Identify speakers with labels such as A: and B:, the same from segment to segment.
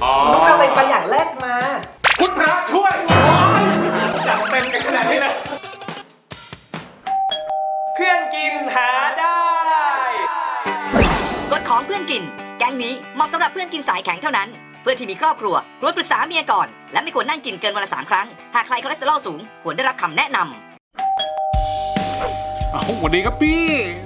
A: คุณต้องทำอะไรบางอย่างแรกมา
B: คุณพระช่วย
A: จัดเต็มกันขนาดนี้เลยเพื่อนกินหาได้
C: กฎของเพื่อนกิน แก๊งนี้เหมาะสำหรับเพื่อนกินสายแข็งเท่านั้น เพื่อนที่มีครอบครัวควรปรึกษาเมียก่อน และไม่ควรนั่งกินเกินวันละ3 ครั้ง หากใครคอเลสเตอรอลสูงควรได้รับคำแนะนำ
B: สวัสดีครับพี่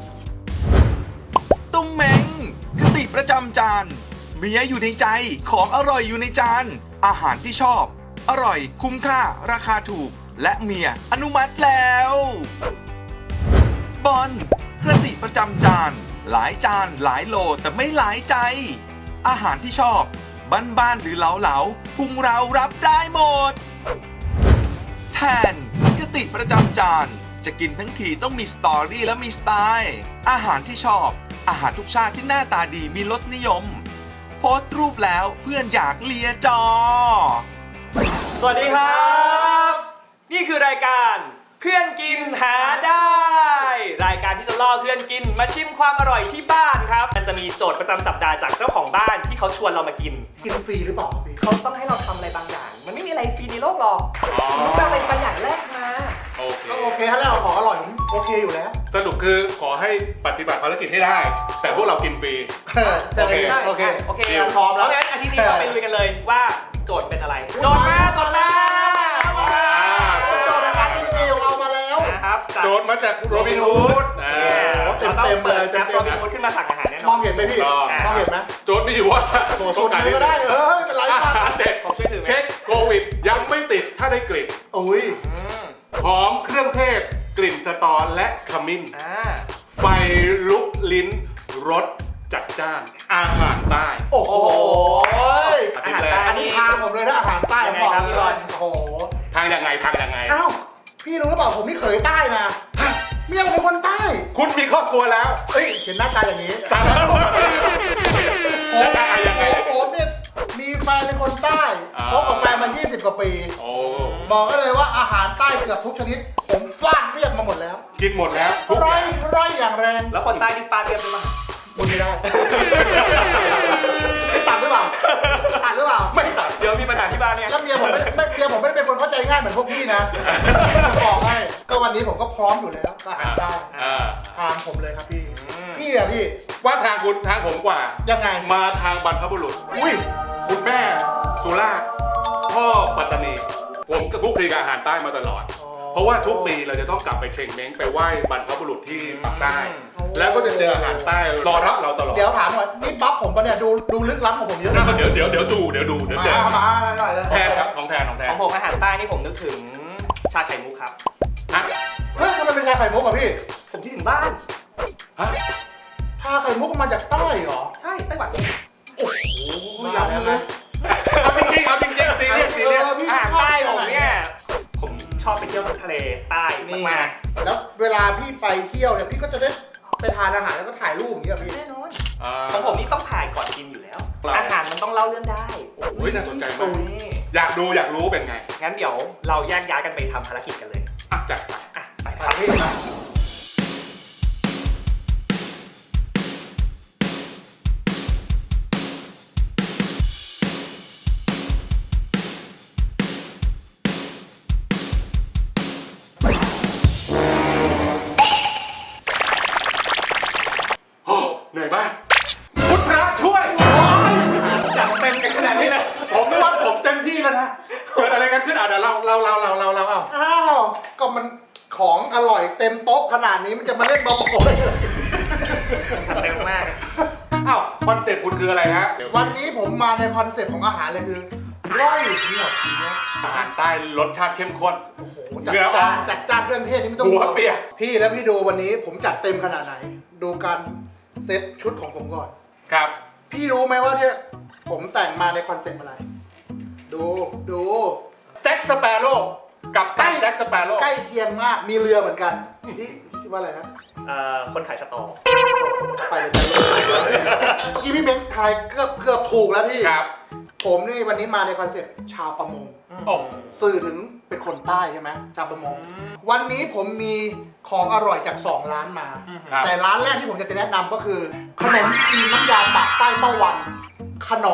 D: ตุ้มเม้งคติประจำจานเมียอยู่ในใจของอร่อยอยู่ในจานอาหารที่ชอบ อร่อยคุ้มค่าราคาถูก และเมียอนุมัติแล้วบอลคติประจำจานหลายจานหลายโลแต่ไม่หลายใจ อาหารที่ชอบบ้านๆหรือเหลาๆพุงเรารับได้หมดแทนคติประจำจานจะกินทั้งทีต้องมีสตอรี่และมีสไตล์อาหารที่ชอบอาหารทุกชาติที่หน้าตาดีมีรสนิยมโพสต์รูปแล้วเพื่อนอยากเลียจอ
A: สวัสดีครับ นี่คือรายการเพื่อนกินหาได้ รายการที่จะล่อเพื่อนกินมาชิมความอร่อยที่บ้านครับมันจะมีโจทย์ประจำสัปดาห์จากเจ้าของบ้านที่เขาชวนเรามากิน
E: กินฟรีหรือเปล่าพี่
A: เขาต้องให้เราทำอะไรบางอย่าง มันไม่มีอะไรฟรีในโลกหรอกคุณต้องทำอะไรบางอย่างแรกมา
B: โอเค
E: ก็โอเคถ้าแล้วของอร่อยผมโอเคอยู่แล้ว
B: สรุปคือขอให้ปฏิบัติภารกิจให้ได้ แต่พวกเรากินฟรี
E: จะได้
B: โอเค
E: โอเค
A: โอเค
E: พร้อมแล้ว
A: งั้นอาทิตย์นี้เราไปลุยกันเลยว่าโจทย์เป็นอะไร โจทย์มา
E: โจทย์ในการที่มีของเรามาแล้ว
A: นะครับ
B: โจทย์มาจากโรบินฮูด
A: เราต้อง
E: เต็มๆ
A: เปิด
E: เลย
A: แอป
E: เต็
A: โร
E: มๆ
A: บินฮูดขึ้นมาสั่งอาหารแน่น
E: ม
A: อ
E: อน งเห็นไหมพี่มองเห็นไหม
B: โจทย์มีอยู่ว่า
E: โอ้โหชนเลยก็ได้เป็นไร
B: อา
E: บ้าง
B: หารเด็ด
A: ผมช่วยถือไหม
B: เช็คโควิดยังไม่ติดถ้าได้กลิ่น
E: อุ้ย
B: หอมเครื่องเทศ กลิ่นสตอและขมิ้น ไฟลุกลิ้นรสจัดจ้าน อาหารใต้
E: โอ้โห
A: อาหารใต้
E: อันนี้ทางผมเลยนะอาหารใต้ผมบอกเลยโอ้โห
B: ทางยังไงทางยังไง
E: อ้าวพี่รู้หรือเปล่าผมนี่เขยใต้นะเมียผมเป็นคนใต้
B: คุณมีครอบครัวแล้ว
E: เอ้ยเห็นหน้าตาอย่างนี้
B: สารพัดแล้วยังไง
E: ผมเนี่ยมีแฟนเป็นคนใต้คบกับแฟนมา20 กว่าปี
B: โอ้
E: บอกก็เลยว่าอาหารใต้เกือบทุกชนิด ผมฟาดเรียบมาหมดแล้ว
B: กินหมดแล้วทุกอ
E: ร้อย
B: ย่าง
E: ร้อยอย่างแรง
A: แล้วคนใต้ที่ฟาดเรียบหรือเปล่า
E: บุญไม่ได้ตัดหรือเปล่าตัดหรือเปล่า
B: ไม่ตัด
A: เดี๋ยวมีปัญหาที่บ้านเนี่ย
E: แล้วเมียผมไม่ได้เป็นคนเข้าใจง่ายเหมือนพวกพี่นะจะบอกให้ก็วันนี้ผมก็พร้อมอยู่แล้วอาหารใต้ ทางผมเลยครับพี่พี่อะพี่
B: ว่าทางคุณทางผมกว่า
E: ยังไง
B: มาทางบรรพบุรุษ
E: อุ้ย
B: คุณแม่สุราษฎร์พ่อปัตตานี ผมก็คลุกคลีกับอาหารใต้มาตลอด เพราะว่าทุกปีเราจะต้องกลับไปเชงเม้งไปไหว้บรรพบุรุษที่ปากใต้ แล้วก็จะเจออาหารใต้รอรับเราตลอด
E: เดี๋ยวถามก่อนนี่บัฟผมปะเนี่ยดูลึกล้ำของผมเยอะนะ
B: เดี๋ยวดูเดี๋ยวเจอ
E: มาหน่อยเลย
B: แทนครับของแทน
A: ของผมอาหารใต้นี่ผมนึกถึงชาไข่มุกครับ
B: ฮะ
E: เฮ้ยทำไมเป็นชาไข่มุกอะพี่
A: ผมคิดถึงบ้าน
B: ฮะ
E: ชาไข่มุกมาจากใต้เหรอ
A: ใช่ไต้หวัน
E: มาแล้วนะ
B: เอาจริงซีเรียส
E: พี่
A: อาหาร
E: ชอบ
A: ใต้ผมเนี่ยผมชอบไปเที่ยวทะเลใต้
E: นี่
A: มาก
E: แล้วเวลาพี่ไปเที่ยวเนี่ยพี่ก็จะได้ไปทานอาหารแล้วก็ถ่ายรูปอย่างเงี้ยพี่
A: ๆแน่นอนของผมนี่ต้องถ่ายก่อนกินอยู่แล้ว
B: ครับ
A: อาหารมันต้องเล่าเรื่องได้
B: โอ้ยน่าสนใจมาก
A: นี่
B: อยากรู้เป็นไง
A: งั้นเดี๋ยวเราแยกย้ายกันไปทำภารกิจกันเลย
B: อ่ะจัดไป
A: อ่ะไปค
E: ไป
A: รับ
E: พี่
B: โอ้เหนื่อยมากคุณพระช่วย
A: จัดเต็มกันขนาดนี้เลย
B: ผมไม่ว่าผมเต็มที่แล้วนะเกิดอะไรกันขึ้นอ่ะเดี๋ยวเราเอา
E: อ้าวก็มันของอร่อยเต็มโต๊ะขนาดนี้มันจะมาเล่นบอลโอย
A: เต็มมาก
B: อ้าวคอนเซ็ปต์คุณคืออะไรฮะ
E: วันนี้ผมมาในคอนเซ็ปต์ของอาหารเลยคือร่อยเที่ยวเที่ยว
B: อาหารใต้รสชาติเข้มข้น
E: โอ้โห
B: เหงื่อออก
E: จัดจ้านเครื่องเทศนี่ไม่ต้อง
B: หัวเปียก
E: พี่แล้วพี่ดูวันนี้ผมจัดเต็มขนาดไหน ดูการเซ็ตชุดของผมก่อน
B: ครับ
E: พี่รู้ไหมว่าเนี่ยผมแต่งมาในคอนเซ็ปต์อะไร ดู
B: แจ็คสเปโร่กับตันแจ็คสเปโร่
E: ใกล้เคียงมากมีเรือเหมือนกันพี่คิดว่าอะไรนะ
A: คนขายสตอ
E: ไปเลยจ้ะเมื่อกี้พี่เบนซ์ทายเกือบถูกแล้วพี่
B: ครับ
E: ผมนี่วันนี้มาในคอนเซ็ปต์ชาวประมง
B: โอ้
E: สื่อถึงเป็นคนใต้ใช่ไหมชาวประมง วันนี้ผมมีของอร่อยจาก 2 ร้านมา
B: ครับ
E: แต่ร้านแรกที่ผมจะแนะนำก็คือ ขนมจีนน้ำยาปากใต้เป้าวัน ขนม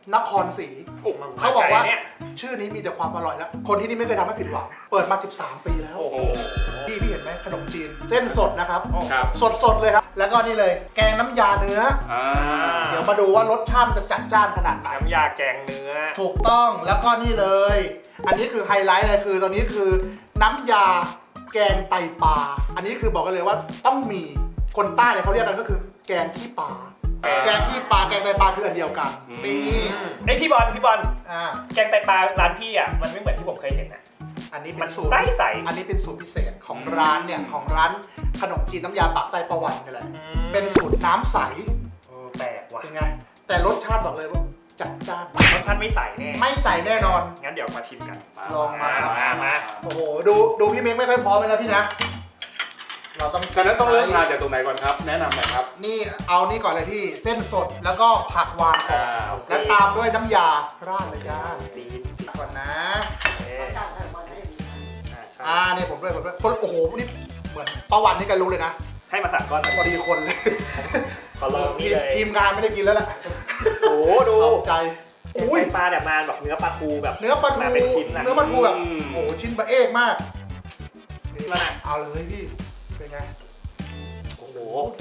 E: นครศรี
A: โอ้มัน
E: เขาบอกว่า
A: ไเนี่ย
E: ชื่อนี้มีแต่ความอร่อยแล้ว คนที่นี่ไม่เคยทำให้ผิดหวัง เปิดมา 13 ปีแล้ว
A: โอ้โห
E: พี่เห็นไหมขนมจีน เส้นสดนะครับ
B: ครับ
E: สดๆเลยครับ แล้วก็นี่เลย แกงน้ำยาเนื้อ เดี๋ยวมาดูว่ารสชาติมันจะจัดจ้านขนาดไหน
A: น้ำยาแกงเนื้อ
E: ถูกต้อง แล้วก็นี่เลย อันนี้คือไฮไลท์เลยคือตอนนี้คือน้ำยาแกงไตปลา อันนี้คือบอกกันเลยว่าต้องมีคนใต้เนี่ยเขาเรียกกันก็คือแกงขี้ปลา แกงขี้ปลา แกงไตปลาคืออันเดียวกัน นี่
A: ไอยพี่บอล
E: อ่า
A: แกงไตปลาร้านพี่อ่ะ มันไม่เหมือนที่ผมเคยเห็นนะ
E: อันนี้
A: มั
E: เป็น นสูตร
A: ใส
E: อันนี้เป็นสูตรพิเศษของร้านเนี่ยของร้านขนมจีนน้ำยาปากใต้ประวันนี่แหละ เป็นสูตรน้ำใส
A: แปลกว่ะ
E: เป็นไง แต่รสชาติบอกเลยว่าจัดจ้าน
A: รสชาติไม่ใสแน่
E: ไม่ใส่แน่นอน
A: งั้นเดี๋ยวมาชิมกัน
E: ลองมา
A: มา
E: โอ้โห ดูพี่เม้งไม่ค่อยพร้อมเลยนะพี่นะ เราต้อง
B: ฉะนั้นต้องเริ่มทานจากตรงไหนก่อนครับ แนะนำหน่อยครับ
E: นี่เอานี่ก่อนเลยพี่เส้นสดแล้วก็ผักวางก่อน
B: โอเค
E: และตามด้วยน้ำยาราดเลยจ้า
A: จีน
E: ก่อนนะ
A: เอ๊ะใช่
E: นี่ผมด้วยคนโอ้โหนี่เหมือนประวันนี่กันรู้เลยนะ
A: ให้มาสั่งก้อน
E: พอดีคนเลย
A: ขอลองนี่เลย
E: ทีมงานไม่ได้กินแล้วแหละ
A: โอ้โหดู
E: ตกใจ
A: อุ้ยปลาแบบมาแบบเนื้อปลาทูแบบ
E: เนื้อปลาทู
A: มาเป็นชิ้นนะ
E: เนื้อปลาทูแบบโอ้โหชิ้นบะเอกมาก
A: มา
E: เอาเลยพี่เป็นไง
A: โอ้โห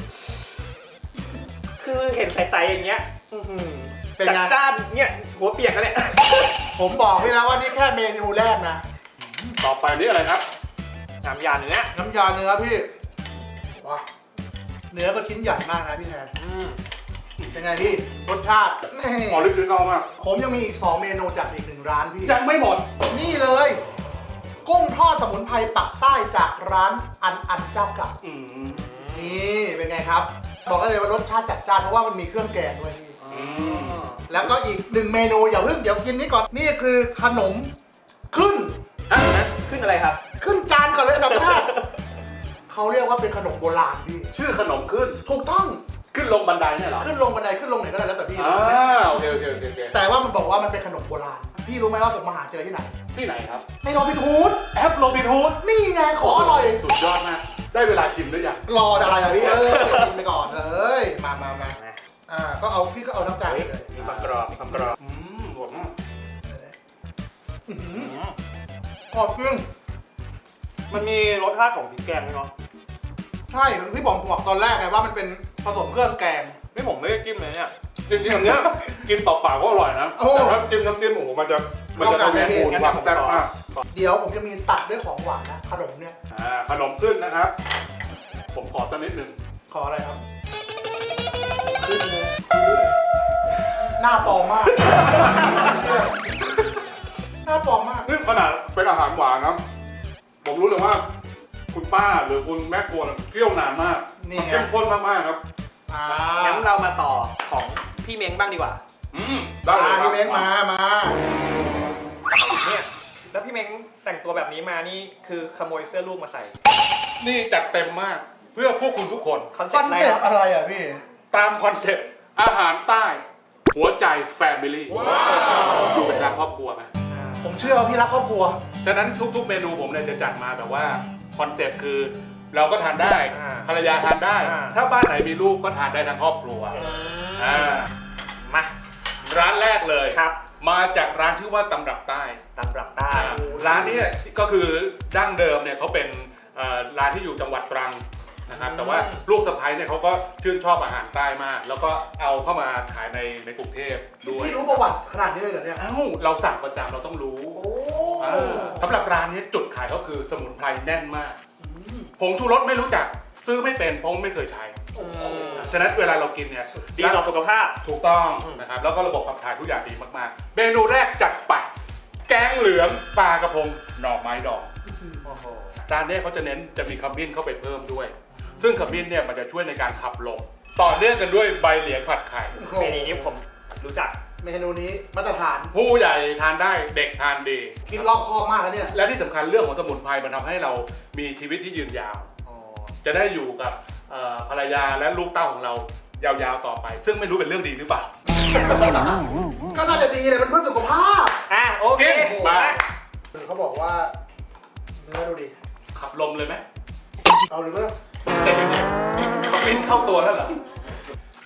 A: คือเห็นใสๆอย่างเงี้ยอื้อหือ
E: เป็น
A: จัด
E: ไง
A: จ้านเนี่ยหัวเปียกแล้วเนี่ย
E: ผมบอกพี่นะว่านี่แค่เมนูแรกนะ
B: ต่อไปนี่อะไรครับ
A: น้ำยาเนื้อ
E: น้ำยาเนื้อพี่ว้าเนื้อก็ชิ้นใหญ่มากนะพี่แทนเป็นไงพี่รสชาตินี่
B: ออริจินอลมาก
E: ผมยังมีอีก2เมนูจากอีก1ร้านพี่
B: ยังไม่หมด
E: นี่เลย กุ้งทอดสมุนไพรปักใต้จากร้านอันเจ้าเก่า
B: อืม
E: นี่เป็นไงครับ บอกได้เลยว่ารสชาติจัดจ้านเพราะว่ามันมีเครื่องแกงด้วยพี่
B: อืม
E: แล้วก็อีก1เมนูอย่าเพิ่งเดี๋ยวกินนี้ก่อนนี่คือขนมขึ้น
A: ขึ้นอะไรครับ
E: ขึ้นจานก่อนเลยอันดับแรกเขาเรียกว่าเป็นขนมโบราณพี่
B: ชื่อขนมขึ้น
E: ถูกต้อง
B: ขึ้นลงบันไดเนี่ยเหรอ
E: ขึ้นลงบันไดขึ้นลงไหนก็ได้แล้วแต่พี่
B: โอเคโอเคโอเค
E: แต่ว่ามันบอกว่ามันเป็นขนมโบราณพี่รู้ไหมว่าผมมาหาเจอที่ไหน
B: ที่ไหนครับ
E: ในโรบินฮูด
B: แอปโรบินฮูด
E: นี่ไงของอร่อย
B: สุดยอดมาก ได้เวลาชิมหรือยัง
E: รออะไรอ่ะพี่กินไปก่อนเลยมาก็เอาพี่ก็เอาน้ำตาล
A: เฮ้ย
E: เลย
A: มีความกรอบ มีความกรอบ
B: หวานมาก
E: ขอบเครื่อง
A: มันมีรสชาติของพริกแกงด้วยเนาะ
E: ใช่พี่บอกตอนแรกไงว่ามันเป็นผสมเครื่องแกง
A: ไม่ผมไม่ได้จิ้มเลยเนี่ย
B: จริงๆอันเนี้ยกินเปล่าๆก็อร่อยนะ
E: โอ้
B: แต่ถ้าจิ้มน้ำจิ้มโอ้โหมันจะทำให้คูณความแซ่บมาก
E: เดี๋ยวผมจะมีตัดด้วยของหวานนะขนมเนี่ย
B: ขนมขึ้นนะครับ ผมขอสักนิดหนึ่ง
E: ขออะไรครับ
A: ขึ้นเลย
E: หน้าปลอมมาก หน้าปลอมมาก
B: นี่ขนาดเป็นอาหารหวานนะผมรู้เลยว่า คุณป้าหรือคุณแม่ครัวเคี่ยวนานมาก
E: นี่ไง
B: เข้มข้นมากๆครับ
A: งั้นเรามาต่อของพี่เม้งบ้างดีกว่า
B: ได้เลยครับ
E: พี่เม้งมา
A: เนี่ยแล้วพี่เม้งแต่งตัวแบบนี้มานี่คือขโมยเสื้อลูกมาใส่
B: นี่จัดเต็มมากเพื่อพวกคุณทุกคน
A: คอน
E: ค
A: เซ็
E: อ
A: ป
E: น
A: ต์อะไร
E: เซ็ป
A: ครับ
E: ต์อะไรอ่ะพี่
B: ตามคอนเซ็ปต์อาหารใต้ หัวใจแฟมิลี่ดูเป็นทางครอบครัวไหม
E: ผมเชื่อว่าพี่รักครอบครัว
B: ฉะนั้นทุกๆเมนูผมเนี่ยจะจัดมาแบบว่าคอนเซ็ปต์คือเราก็ทานได้ ภรรยาทานได้ ถ้าบ้านไหนมีลูกก็ทานได้ทั้งครอบครัว
A: มา
B: ร้านแรกเลย
A: ครับ
B: มาจากร้านชื่อว่าตำรับใต้
A: ตำรับใต้
B: ร้านนี้ก็คือดั้งเดิมเนี่ยเขาเป็นร้านที่อยู่จังหวัดตรังนะครับแต่ว่าลูกสะใภ้เนี่ยเขาก็ชื่นชอบอาหารใต้มาก แล้วก็เอาเข้ามาขายในกรุงเทพด้วย
E: พี่รู้ประวัติขนาดนี้เลยเหรอเนี่ย
B: เอ้าเราสั่งประจำเราต้องรู้สำหรับร้านนี้จุดขายก็คือสมุนไพรแน่นมากผงชูรสไม่รู้จักซื้อไม่เป็นเพราะไม่เคยใช้ฉะนั้นเวลาเรากินเนี่ย
A: ดีต่อสุขภาพ
B: ถูกต้องนะครับแล้วก็ระบบขับถ่ายทุกอย่างดีมากๆเมนูแรกจัดไปแกงเหลืองปลากระพงหน่อไม้ดองจานนี้เขาจะเน้นจะมีขมิ้นเข้าไปเพิ่มด้วย ซึ่งขมิ้นเนี่ยมันจะช่วยในการขับลมต่อเนื่องกันด้วยใบเหลียงผัดไข่
A: เมนูนี้ผมรู้จัก
E: เมนูนี้มาตรฐาน
B: ผู้ใหญ่ทานได้เด็กทานดี
E: คิดรอบคอบมากแล้วเนี่ย
B: และที่สำคัญเรื่องของสมุนไพรมันทำให้เรามีชีวิตที่ยืนยาว จะได้อยู่กับภรรยาและลูกเต้าของเรายาวๆต่อไป ซึ่งไม่รู้เป็นเรื่องดีหรือเปล่า
E: ก็น่าจะดีเลยมันเพื่อสุขภาพ
A: โอเค
B: มา
E: เขาบอกว่าเนื้อดูดิ
B: ขับลมเลยไหม
E: เอาหรือเปล่า
B: ใช่ไหมเนี่ยขมิ้นเข้าตัวแล้วเหรอ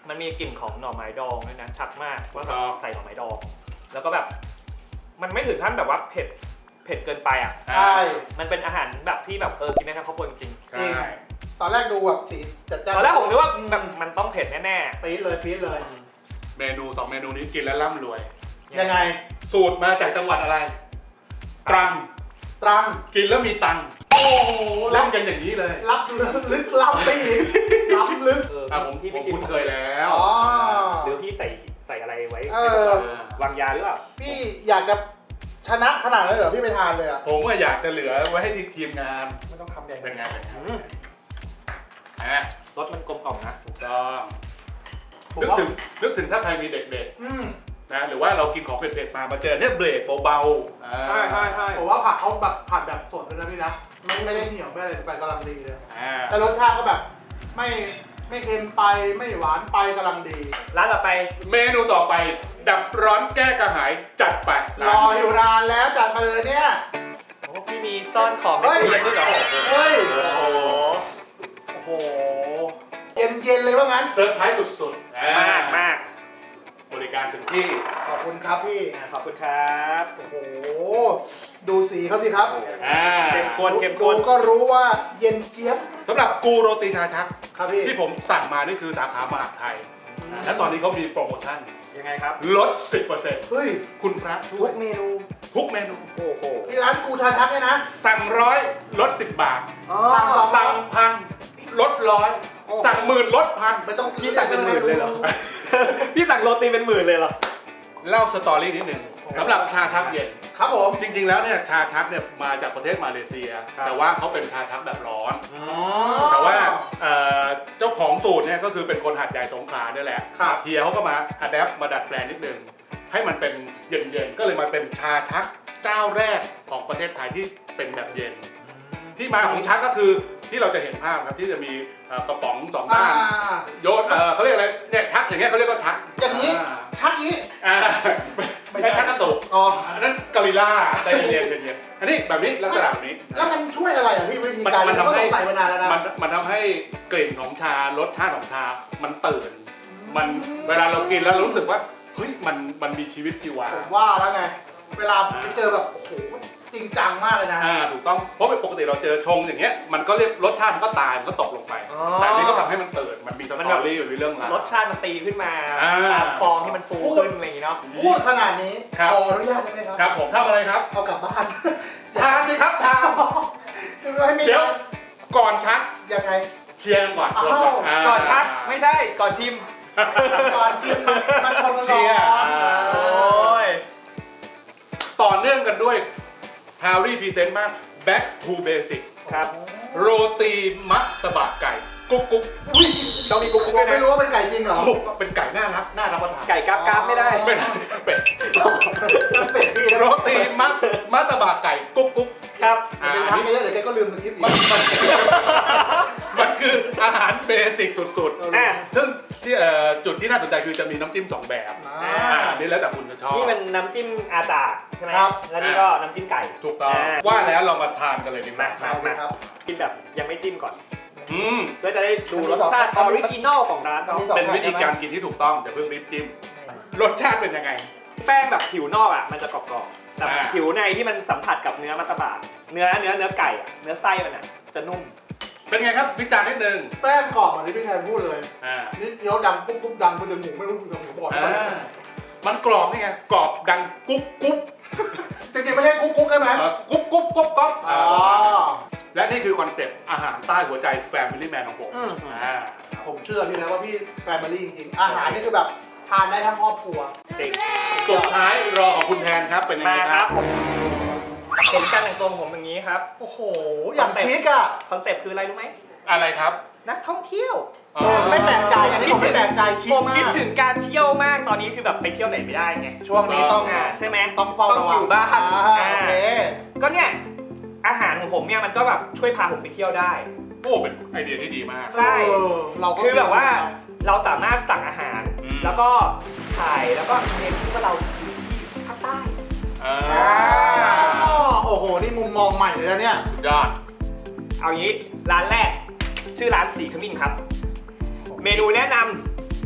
A: มันมีกลิ่นของหน่อไม้ดองด้วยนะชัดมากว่าแบบ
B: อ๋อ
A: ใส่หน่อไม้ดอง แล้วก็แบบมันไม่ถึงขั้นแบบว่าเผ็ดเกินไปอ่ะ
E: ใช่
A: มันเป็นอาหารแบบที่แบบกินได้ทั้งครอบครัวจริง
B: ใช่
E: ตอนแรกดูแบบสีจัดจ้าน
A: ๆตอนแรกผมนึกว่าแบบมันต้องเผ็ดแน่
E: ปี๊ดเลยปี๊ดเลย
B: เมนู2เมนูนี้กินแล้วร่ำรวย
A: ๆ
E: ยังไง
B: สูตรมาจากจังหวัดอะไร ตรัง
E: ตรัง
B: กินแล้วมีตังค์
E: โอ้โห
B: เล่นกันอย่างนี้เลย
E: รับลึกล้ำไปอีกล้ำลึก
B: ผม
A: พี่
B: ผ
A: ไม่
B: ม
A: ชิม
B: คุ้นเคยแล้ว
E: อ๋อ
A: หรือพี่ใส่อะไรไว้
E: เออ
A: วางยาหรือเปล่า
E: พี่อยากจะชนะขนาดนั้นเหรอพี่ไปทานเลยอ่ะ
B: ผมก็อยากจะเหลือไว้ให้ทีมงาน
E: ไม่ต้องคำใหญ่
B: เป็นไงเป็นไง
A: อืม
B: อ่ะ
A: รสมันกลมกล่อมนะ
B: ถูกต้อง
E: ผม
B: นึก
E: ว่า
B: ถึงถ้าใครมีเด็ก
E: อืม
B: ๆนะหรือว่าเรากินของเผ็ดๆมาเจอเนี่ยเบรกเบาๆ
A: ใช่ใช่ใช่
E: ผมว่าผักเขาแบบผัดแบบสดเลยนะพี่นะไม่ได้เหนียวไม่อะไรไปกำลังดีเลย
B: อ่า
E: แต่รสชาติก็แบบไม่เค็มไปไม่หวานไปกำลังดี
A: ร้านต่อไป
B: เมนูต่อไป ดับร้อนแก้กระหายจัดไป
E: รออยู่นานแล้วจัดมาเลยเนี่ย
A: โอ้พี่มีซ่อนของใน
E: เฮ้ย
A: ตู้เย็นด้วยเหรอ
E: เฮ้ย
B: โอ้โห
E: โอ้โหเย็นเลยว่างั้น
B: เซอร์ไพรส์สุดๆ
A: มาก
B: บริการถึงที่
E: ขอบคุณครับพี่
A: ขอบคุณครับ
E: โอ้โหดูสีเขาสิครับ
B: อ่า
A: เข้มข้น
E: ดูก็รู้ว่าเย็นเจี๊ยบ
B: สำหรับกูโรตีชาชัก
E: ครับพี่
B: ที่ผมสั่งมานี่คือสาขามหาดไทย และตอนนี้เขามีโปรโมชั่น
A: ยังไงครับ
B: ลด 10%
E: เฮ้ย
B: คุณพระช่
A: ทุ
B: วย
A: กเมนู
B: ทุกเมนู
A: โอ้โห
E: ที่ร้านกูชาชักเนี่ยนะ
B: สั่ง100ลด10 บาท
E: สั่งสอง
B: สั่งพันลด100สั่งหมื่นลดพัน
E: ไม่ต้อง
A: พี่สั่งเป็นหมื่นเลยเหรอ พี่สั่งโรตีเป็นหมื่นเลยเหรอ
B: เล่าสตอรี่นิดหนึ่งสำหรับชาชักเย็น
E: ครับผม
B: จริงๆแล้วเนี่ยชาชักเนี่ยมาจากประเทศมาเลเซีย
A: ครับ
B: แต่ว่าเขาเป็นชาชักแบบร้อน
E: อ๋อ
B: แต่ว่าเจ้าของสูตรเนี่ยก็คือเป็นคนหัดใหญ่สงขลาเนี่ยแหละ
E: ครับ
B: เฮียเขาก็มาอัดแอปมาดัดแปลงนิดนึงให้มันเป็นเย็นๆก็เลยมาเป็นชาชักเจ้าแรกของประเทศไทยที่เป็นแบบเย็น ที่มาของชักก็คือที่เราจะเห็นภาพครับที่จะมีกระป๋องสอง
E: อ่า
B: ด้านโยนเขาเรียกอะไรเนี่ยชักอย่างเงี้ยเขาเรียกว่าชัก
E: อย่างนี้ชักนี้
B: อ่า
E: ไม่
B: ไม่
E: ใช่
B: ใช่ชักกระตุก
E: อ๋อ
B: อันนั้นกอริลล่าใจเย็นๆใจเย็นๆอันนี้แบบนี้ลักษณะแบบนี้
E: แล้วมันช่วยอะไรอ่ะพี่วิธีการ
B: มันทำให้
E: ก็ต้องใส่มานานแล้วนะ
B: มันทำให้กลิ่นของชารสชาติของชา มันตื่น มันเวลาเรากินแล้วเรารู้สึกว่าเฮ้ยมันมีชีวิตชีวา
E: ผมว่าแล้วไง เวลาไปเจอแบบโอ้โหจริงจังมากเลยนะ
B: ถูกต้องเพราะปกติเราเจอชงอย่างเงี้ยมันก็เรียกรสชาติมันก็ตายมันก็ตกลงไป
A: อ๋อ
B: แต่อันนี้ก็ทำให้มันตื่นมันมีสตอรี่มันมีเรื่องราว
A: รสชาติมันตีขึ้นมา
B: อ่า
A: ตามฟองที่มันฟูขึ้นอะไรอย่างงี้เนาะ
E: พูดขนาดนี้
B: ครับ
E: ขออนุญาตได้ไหมครับ
B: ครับผมทำอะไรครับ
E: เอากลับบ้าน
B: ทานสิครับทาน
E: ไม่มี
B: เดี๋ยวก่อนชัก
E: ยังไง
B: เชียร์กันก่อน
E: อ้าว
A: ก่อนชักไม่ใช่ก่อนชิม
E: ก่อนชิมมาชนกัน
B: เชี
E: ก่
B: ยร์
E: อน
A: โอ้ย
B: ต่อเนื่องกันด้วย Harry Present มาก Back to Basic
A: ครับ
B: โรตีมัสตะบะไก่ กุ๊กกุ๊ก
E: อุ้ย
A: ต้องมีกุ๊ก
E: ผ
A: กุ๊
E: ม
A: กด้วย
E: ไม่
A: นะ
E: รู้ว่าเป็นไก่จริงเหรอ
B: โอ้เป็นไก่น่ารักน่ารับประทาน
A: ไก่กราบกราบไม่ได้
B: ไม่ได้เป็ด
E: เป็ดพี่นะ
B: โรตีมัสตะบะไก่ กุ๊กกุ๊ก
A: ครับ
E: เป็น
B: อัน
E: ทัก
B: นี้
E: เยอะเดี๋ยวแกก็ลืมสคริปต์อี
B: มัน
E: ก
B: มันคืออาหารเบสิกสุด
A: อ่ะ
B: ๆ ซึ่งที่จุดที่น่าสนใจคือจะมีน้ำจิ้ม2 แบบ
E: อ่า
B: อันนี้แล้วแต่คุณจะชอบ
A: นี่มันน้ำจิ้มอาจาดใช่ไหม
E: ครับ
A: แล้วนี่ก็น้ำจิ้มไก่
B: ถูกต้อง
A: อ่า
B: ว่าแล้วเรามาทานกันเลยดีไหม
A: มา
E: เอาเลยครับ
A: กินแบบยังไม่จิ้มก่อน
B: อืม
A: เพื่อจะได้ดูรสชาติออริจินอลของร้านเขา
B: เป็นวิธีการกินที่ถูกต้องอย่าเพิ่งรีบจิ้ม รสชาติเป็นยังไง
A: แป้งแบบผิวนอกอ่ะมันจะกรอบๆแต่
B: อ่า
A: ผิวในที่มันสัมผัสกับเนื้อมัตตบะเนื้อไก่อะเนื้อไส้มันอ่ะจะนุ่ม
B: เป็นไงครับวิจารณ์นิดนึง
E: แป้งกรอบเหมือนที่พี่แทนพูดเลย
B: อ่า
E: นี่เคี้ยวดังปุ๊บปุ๊บดังไปดึงหมูไม่รู้ดึงหมูบอด
B: มันกรอบนี่ไงกรอบดังกุ๊บกุ๊บ
E: จริงๆไม่ใช่กุ๊กกุ๊กใช่ไหม
B: กุ๊บกุ๊บกุ๊บก๊อบ
E: อ๋อ
B: และนี่คือคอนเซ็ปต์อาหารใต้หัวใจ Family Man ของผม
A: อืม
E: ผมเชื่อพี่นะว่าพี่แฟมิลี่จริงๆอาหารนี่คือแบบทานได้ทั้งครอบครัว
A: จริง
B: สุดท้ายรอของคุณแทนครับเป็นยังไง
A: มา
B: ค
A: ค
B: รั
A: รั
B: บบ
A: เห็นการแต่งตัวของผมอย่างนี้ครับ
E: โอ้โห อย่างชิคอ่ะ
A: คอนเซปต์คืออะไรรู้ไหม
B: อะไรครับ
A: นักท่องเที่ยว
E: ไม่แปลกใจอันนี้ผมไม่แปลกใจชิค
A: ผม
E: มา
A: คิด
E: ก
A: ถึงการเที่ยวมากตอนนี้คือแบบไปเที่ยวไหนไม่ได้ไง
E: ช่วงนี้ต้อง
A: ใช่ไหม
E: ต้องเฝ้าระวัง
A: อยู่บ้าน
E: โอเค
A: ก็เนี่ยอาหารของผมเนี่ยมันก็แบบช่วยพาผมไปเที่ยวได้
B: โอ้เป็นไอเดียที่ดีมาก
A: ใช่
E: เราก็
A: คือแบบว่าเราสามารถสั่งอาหาร
B: อืม
A: แล้วก็ถ่ายแล้วก็เรียนที่ว่าเราอยู่ที่ภาคใต้
B: อ่า
E: อ๋อโอ้โห นี่มุมมองใหม่เลยนะเนี่ย
B: สุดยอด
A: เอางี้ร้านแรกชื่อร้านสีขมิ้นครับ เมนูแนะน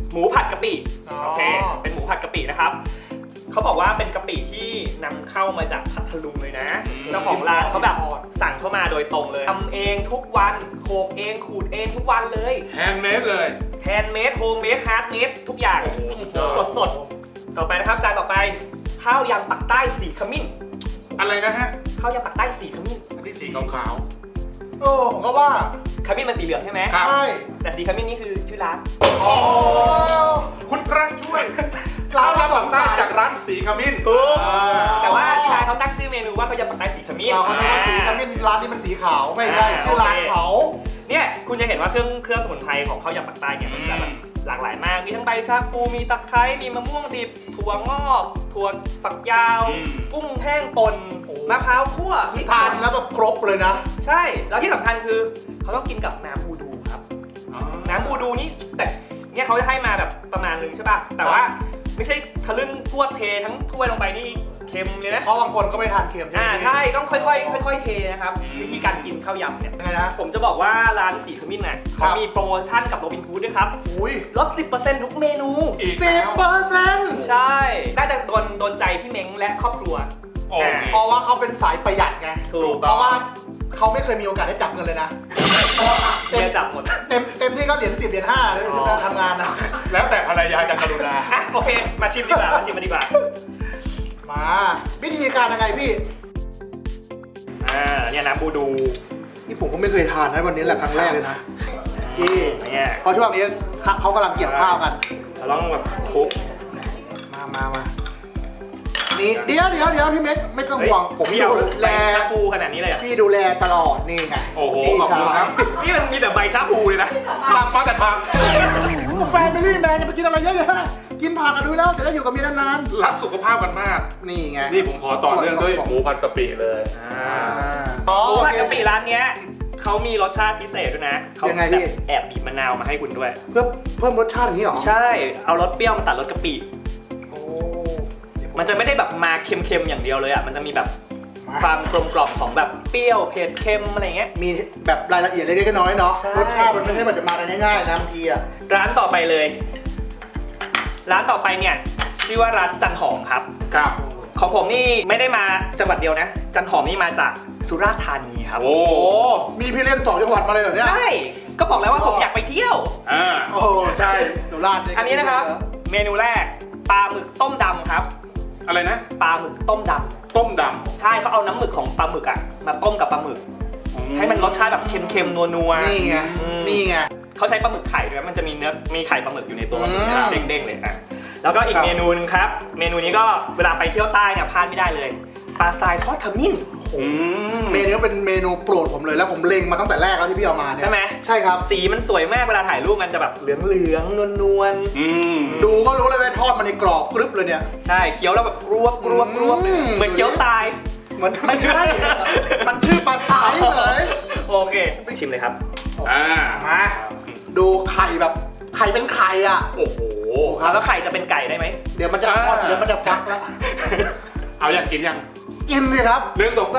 A: หมูผัดกะปิ
E: อ๋อ
A: โอเคเป็นหมูผัดกะปินะครับเขาบอกว่าเป็นกะปิที่นำเข้ามาจากพัทลุงเลยนะเจ้าของร้านเขาแบบสั่งเข้ามาโดยตรงเลยทำเองทุกวันโขลกเองขูดเองทุกวันเลย
B: แฮนด์เมดเลย
A: แฮนด์เมดโฮมเมดฮาร์ดเมดทุกอย่าง
B: โอ้โห
A: สดๆต่อไปนะครับจานต่อไปข้าวยำปักใต้สีขมิ้น
B: อะไรนะฮะ
A: ข้าวยำปักใต้สีขมิ้น
B: ที่สีขาว
E: โอ้ผมก็ว่า
A: ขมิ้นมันสีเหลืองใช่ไหม
B: ครับ
E: ใช่
A: แต่สีขมิ้นนี่คือชื่อร้าน
E: อ๋อ
B: ๆคุณพระช่วย
E: ร้า
B: เรา
E: น
B: รับ
E: ส
B: ปั
E: ง
B: กใต้
E: สาร
B: จากร้านสีขมิ้น
A: ถูก
B: อ่า
A: แต่ว่าที่ร้านเขาตั้งชื่อเมนูว่าข้าวยำปักใต้สีขมิ้น
E: เราก็นึกว่าสีขมิ้นร้านนี้มันสีขาวไม่ใช่ชื่อร้านเขา
A: เนี่ยคุณจะเห็นว่าเครื่องสมุนไพรของข้าวยำปักใต้เนี่ยมันจะแบบหลากหลายมากมีทั้งใบชาพูมีตะไคร้มีมะม่วงดิบถั่วงอกถั่วฝักยาว กุ้งแห้งป่นมะพร้าวคั่ว
E: คือทานแล้วแบบครบเลยนะ
A: ใช่แล้วที่สำคัญคือเขาต้องกินกับน้ำบูดูครับ น้ำบูดูนี่แต่เนี่ยเขาจะให้มาแบบประมาณนึงใช่ป่ะแต่ว่าไม่ใช่ทะลึ่งทั่วเททั้งถ้วยลงไปนี่เค็มเลยนะ
E: เพราะบางคนก็ไม่ทานเค็ม
A: ใช่ต้องค่อยๆเทนะครับวิธีการกินข้าวยำเนี่ย
E: ยังไงนะ
A: ผมจะบอกว่าร้านสีขมิ้นน่ะเขามีโปรโมชั่นกับโรบินฮูดด้วยครับ
E: อุ้ย
A: ลด 10% ทุกเมนู
B: อีก
E: สิ
B: แล้
E: บ
B: ว
E: เปอร์เซ็นต์
A: ใช่น่าจะโดนใจพี่เม้งและครอบครัว
B: โอเค
E: เพราะว่าเขาเป็นสายประหยัดไง
A: ถูก
E: เพราะว่าเขาไม่เคยมีโอกาสได้จับเงินเลยนะ
A: เมียจับหมด
E: เต็มที่ก็เหรียญ10เหรียญ5เลยที่ทำงานนะ
B: แล้วแต่ภรรยาจะกรุณา
A: อ่ะโอเค มาชิมดีกว่ามาชิมกันดีกว่า
E: มาวิธีการยังไงพี่
A: เนี่ยน้ำบูดู
E: ที่ผมก็ไม่เคยทานนะวันนี้แหละครั้งแรกเลยนะที่
A: เนี่ย
E: เพราะช่วงนี้เขากำลังเกี่ยวข้าวกัน
A: เราต้องแบบคลุก
E: มานี่เดี๋ยวพี่เม็กไม่ต้องห่วงผม
A: พี่เอา
E: ดู
A: ใบ
E: แล
A: ชาพูขนาดนี้เลยเหรอ
E: พี่ดูแลตลอดนี่ไง
B: โอ้โห
E: นี่
B: ขอบคุณครับ
A: นี่มันมีแต่ใบชาพูเลยนะ
B: ตั้งมาแต่ทาง
E: แฟมิลี่แมนจะไปกินอะไรเยอะแยะกินผักกันดูแล้วจะได้อยู่กับเมียนาน
B: รักสุขภาพกันมาก
E: ๆนี่ไง
B: นี่ผมขอต่อเนื่องด้วยหมูผัดกะปิเลย
E: อ๋อ
A: หมูผัดกะปิ
E: โอเค
A: ร้านเนี้ยเขามีรสชาติพิเศษด้วยนะเขา
E: ยังไงพี่
A: แบบแอบบีบมะนาวมาให้คุณด้วย
E: เพื่อเพิ่มรสชาติอย่างนี้เหรอ
A: ใช่ เอารสเปรี้ยวมาตัดรสกะปิ
E: โอ้
A: มันจะไม่ได้แบบมาเค็มๆอย่างเดียวเลยอ่ะ มันจะมีแบบ
E: มา
A: ความกลมกล่อมของแบบเปรี้ยวเผ็ดเค็มอะไรเงี้ย
E: มีแบบรายละเอียดเล็กๆน้อยๆเนาะ
A: ใช่
E: รสชาติมันไม่ใช่แบบจะมากันง่ายๆนะบางทีอ่ะ
A: ร้านต่อไปเลย ร้านต่อไปเนี่ยชื่อว่าร้านจันหอมครับ
B: ครับ
A: ของผมนี่ไม่ได้มาจังหวัดเดียวนะ จันหอมนี่มาจากสุราษฎร์ธานีครับ
B: โอ้
E: โอ้มีพี่เล่น2จังหวัดมาเลยเหรอเนี่ย
A: ใช่ ก็บอกแล้วว่าผมอยากไปเที่ยว
B: อ่า
E: โอ้ใช่สุราษฎร์
A: อันนี้นะครับ เมนูแรกปลาหมึกต้มดำครับ
B: อะไรนะ
A: ปลาหมึกต้มด
B: ต้มด
A: ำใช่เขาเอาน้ำหมึกของปลาหมึกอ่ะมาต้มกับปลาหมึก
B: ำ
A: ให้มันรสชาติแบบเค็มๆนัวๆ
E: นี่ไง
A: อืม
E: นี่ไง
A: เขาใช้ปลาหมึกไข่ด้วยมันจะมีเนื้อมีไข่ปลาหมึกอยู่ในตัว
E: อืม
A: เด้งๆเลยอ่ะแล้วก็อี
E: ค
A: ก
E: รับ
A: เมนูนึงครับ เมนูนี้ก็เวลาไปเที่ยวใต้เนี่ยพลาดไม่ได้เลยปลาทรายทอดขมิ้น
B: อืม
E: เมนูเป็นเมนูโปรดผมเลยแล้วผมเล็งมาตั้งแต่แรกแล้วที่พี่เอามาเนี่ย
A: ใช่ไหม
E: ใช่ครับ
A: สีมันสวยมากเวลาถ่ายรูปมันจะแบบเหลืองๆนวล
B: อืม
E: ดูก็รู้เลยว่าทอดมันในกรอบกรึบเลยเนี่ย
A: ๆใช่เคี้ยวแล้วแบบกรวบเลยเหมือนเคี้ยวทราย
E: เหมือนไม่ใช่ มันชื่อปลาสายเลย
A: โอเคชิมเลยครับ
B: อ่า
E: มาดูไข่แบบไข่เป็นไข่อ่ะ
A: โอ้โหแล้วไข่จะเป็นไก่ได้ไหม
E: เดี๋ยวมันจะทอดเดี๋ยวมันจะฟักแล้ว
B: เอาอยากกินยัง
E: กินเลยครับ
B: เรื่องตกก็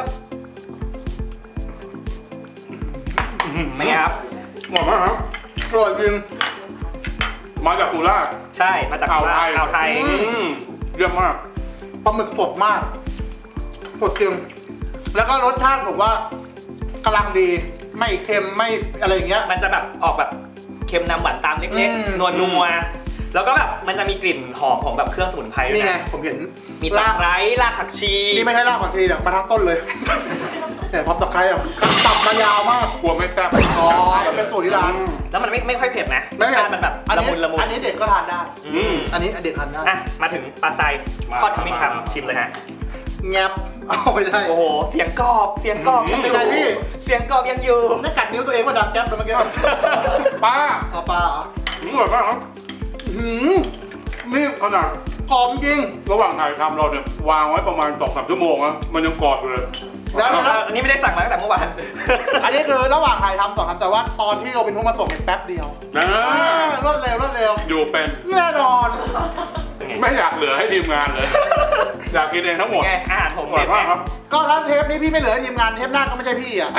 A: ไม่ครับ
B: หมดมากครับ
E: อร่อยจริง
B: มาจากสุราษฎร์
A: ใช่มาจาก
B: อ่าวไทย
A: อ่าวไทย
E: อื
B: เยี่ยมมาก
E: ปลาหมึกสดมากสดจริงแล้วก็รสชาติผมว่ากำลังดีไม่เค็มไม่อะไรอย่างเงี้ย
A: มันจะแบบออกแบบเค็มนำหวานตามเล็ก
E: อืม
A: ๆนัวๆแล้วก็แบบมันจะมีกลิ่นหอมของแบบเครื่องสมุนไพรด้วย
E: นี่ไง
A: นะ
E: ผมเห็น
A: มีตะไคร้รากผักชี
E: นี่ไม่ใช่รากผักชีหรอกมาทั้งต้นเลยแต่พร้อมตะไคร้อ่ะตับมายาวมาก
B: กลัวไม่แซ่บ
E: อ๋อมันเป็นสูตรที่ร้าน
A: แล้วมันไม่ค่อยเผ็ดนะ
E: ไม่
A: รส
E: เผ็
A: ชา
E: ด
A: ติมันแบบ
E: อั
A: ละมุนละมุน
E: อันนี้เด็กก็ทานได้
B: อืม
E: อันนี้เด็กทานได้
A: อ่ะมาถึงปลาไซ
B: มา
A: ทอดขมิ้นครับ
B: มา
A: ชิมเลยฮะ
E: แงบเอาไปได้
A: โอ้โหเสียงกรอบยังอยู่
E: เป็นไงพี่
A: เสียงกรอบยังอยู่
E: ไม่กัดนิ้วตัวเองว่าดังแก๊บเลยเมื่อกี้
B: ป้า
E: เอาปลาเหรอ
B: อร่อยมากครับ
E: หืม
B: นี่ขนาด
E: หอมจริง
B: ระหว่างถ่ายทำเราเนี่ยวางไว้ประมาณ 2-3 ชั่วโมงนะมันยังกรอบอยู่เลย
E: แล้วนะ
A: อันนี้ไม่ได้สั่งมาตั้งแต่เมื่อวาน
E: อันนี้คือระหว่างถ่ายทำสองทำแต่ว่าตอนที่เราเป็นผู้มาส่งเนี่ยแป๊บเดียว
B: นะ
E: รวดเร็วรวดเร็ว
B: อยู่เป็น
E: แน่นอน
A: เป็นไง
B: ไม่อยากเหลือให้ทีมงานเลย อยากกินเองทั้งหมด
A: ไงอาหารผม
B: อร่อยมากครับ
E: ก็ถ้าเทปนี้พี่ไม่เหลือทีมงานเทปหน้าก็ไม่ใช่พี่อ่ะ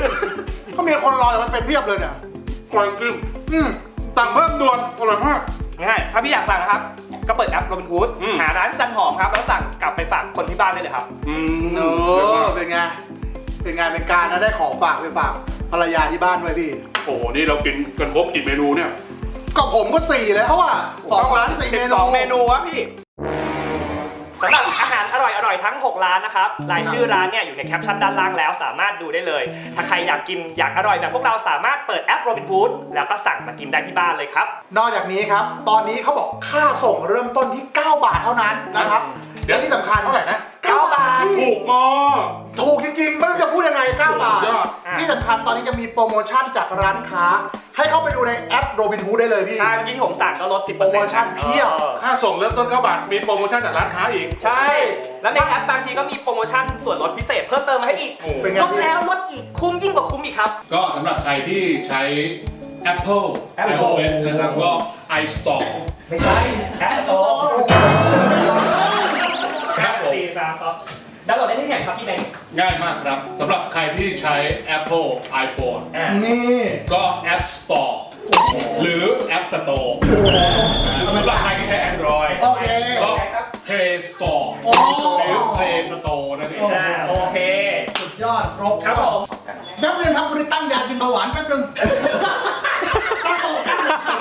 E: ก็มีคนรออยู่มันเป็นเพียบเลยเนี่ย
B: อร่อยจริง
E: อืม
B: สั่งเพิ่มด่วนอร่อยมาก
A: ง่ายถ้าพี่อยากสั่งนะครับ ก็เปิดแอป Robinhood หาร้านจันหอมครับ แล้วสั่งกลับไปฝากคนที่บ้านได้เลยครับ
E: โอ้เป็นไง เป็นงานเป็นการนะได้ของฝากไปฝากภรรยาที่บ้านไว้พี่
B: โอ้โหนี่เรากินกันครบกี่เมนูเนี่ย
E: ก็ผมก็4แล้วอ่ะ2 ร้าน 4 เมนู
A: 12 เมนูวะพี่สำหรับอาหารอร่อยๆทั้ง 6 ร้านนะครับรายชื่อร้านเนี่ยอยู่ในแคปชั่นด้านล่างแล้วสามารถดูได้เลย ถ้าใครอยากกินอยากอร่อยแบบพวกเราสามารถเปิดแอป Robinhood แล้วก็สั่งมากินได้ที่บ้านเลยครับ
E: นอกจากนี้ครับ ตอนนี้เขาบอกค่าส่งเริ่มต้นที่ 9 บาทเท่านั้นนะครับ
B: เดี๋ยว
E: และที่สำคัญ
B: เท่าไหร่นะ
E: 9 บาท
B: ถูกมาก
E: ถูกจริงๆไม่รู้จะพูดยังไง 9 บาท
B: สุดยอด
E: ที่สำคัญตอนนี้จะมีโปรโมชั่นจากร้านค้า ให้เข้าไปดูในแอป Robinhood ได้เลยพี่
A: ใช่ เมื่อกี้ที่ผมสั่งก็ลด 10%
E: โปรโมชั่นเพียบ
B: ค่าส่งเริ่มต้น9 บาท มีโปรโมชั่นจากร้านค้าอีก
A: ใช่ แล้วในแอปบางทีก็มีโปรโมชั่นส่วนลดพิเศษเพิ่มเติมมาให้อีก
B: โอ้
E: เป็นไง
A: ลดแล้วลดอีกคุ้มยิ่งกว่าคุ้มอีกครับ
F: ก็สำหรับใครที่ใช้ Apple iOS นะครับก็ iStore
A: ไม่ใช่แอปโต
F: ครับผม
A: ครับดาวน์โหลดได้ที่ไหนครับพี่แบงค์
F: ง่ายมากครับสำหรับใครที่ใช้ Apple iPhone
E: นี่
F: ก็ App Store หรือ App Store สำหรับใครที่ใช้ Android
E: โอเค
F: ก็ Play Store
E: โอ้
F: หรือ Play Store นั่นเอง
A: โอเค
E: สุดยอดครบ
A: ครับผม
E: แป๊บนึงครับวันนี้ตั้งยากินเบาหวานแป๊บนึงตั้งโต๊ะตั้ง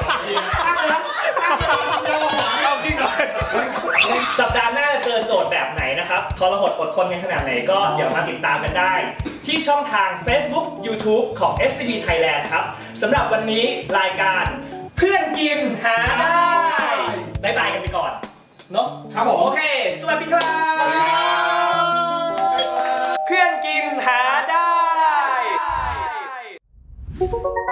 F: เอาจริงเลย
A: สัปดาห์หน้าจะเจอโจทย์แบบไหนนะครับทรหดอดทนกันขนาดไหนก็เดี๋ยวมาติดตามกันได้ ที่ช่องทาง Facebook YouTube ของ SCB Thailand ครับสำหรับวันนี้รายการเพื่อนกินหาได้บ๊ายบายกันไปก่อนเนาะ
E: ครับผม
A: โอเค สวัสดีครับ
E: สวัสดีครับ
A: เพื่อนกินหาได้